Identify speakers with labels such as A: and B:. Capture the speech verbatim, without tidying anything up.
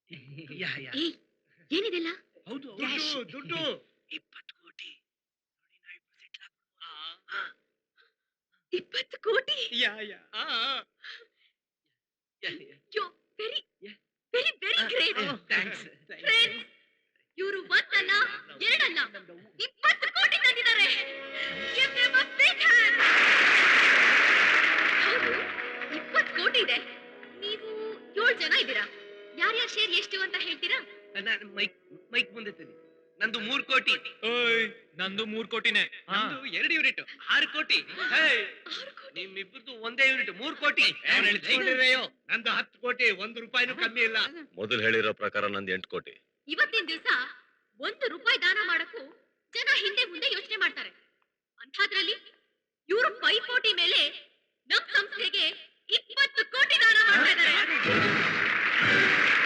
A: ಯಾ ಯಾ
B: ಏಯ್ ಏನಿದೆಲ್ಲ
A: ಹೌದು
B: ಕ್ಯಾಶ್
A: ದುಡ್ಡು ದುಡ್ಡು ಇಪ್ಪತ್ತು ಕೋಟಿ ನೋಡಿ ನಾವು ಸೆಟ್ಲ್ ಆಗ್ಬಿಡ್ಬೋದು
B: ಇಪ್ಪತ್ತು ಕೋಟಿ
A: yeah yeah
B: yo very very very great
A: thanks
B: friends ಇವರು ಒಂದಲ್ಲ ಎರಡಲ್ಲ ಇಪ್ಪತ್ತು ಕೋಟಿ ತಂದಿದ್ದಾರೆ Give them a big hand. ಹೌದು ಇಪ್ಪತ್ತು ಕೋಟಿ ಇದೆ ನೀವು ಏಳು ಜನ ಇದ್ದೀರಾ ಯಾರ್ಯಾರ ಶೇರ್ ಎಷ್ಟು ಅಂತ ಹೇಳ್ತೀರಾ
A: ನಾನು ಮೈಕ್ ಮೈಕ್ ಮುಂದೆ ತನ್ನಿ ನಂದು ಮೂರು ಕೋಟಿ
C: ಓಯ್ ನಂದು ಮೂರ್ ಕೋಟಿನೇ
A: ನಂದು ಎರಡು ಯೂನಿಟ್ ಆರು ಕೋಟಿ ನಿಮ್ಮಿಬ್ಬರದು ಒಂದೇ ಯೂನಿಟ್ ಮೂರು ಕೋಟಿ ನಂದು ಹತ್ತು ಕೋಟಿ ಒಂದು ರೂಪಾಯಿನೂ ಕಮ್ಮಿ ಇಲ್ಲ
D: ಮೊದಲು ಹೇಳಿರೋ ಪ್ರಕಾರ ನಂದು ಎಂಟು ಕೋಟಿ
B: ಇವತ್ತಿನ ದಿವಸ ಒಂದು ರೂಪಾಯಿ ದಾನ ಮಾಡಕ್ಕೂ ಜನ ಹಿಂದೆ ಮುಂದೆ ಯೋಚನೆ ಮಾಡ್ತಾರೆ ಅಂಥದ್ರಲ್ಲಿ ಇವರು ಪೈಪೋಟಿ ಮೇಲೆ ನಮ್ ಸಂಸ್ಥೆಗೆ ಇಪ್ಪತ್ತು ಕೋಟಿ ದಾನ ಮಾಡ್ತಾ ಇದ್ದಾರೆ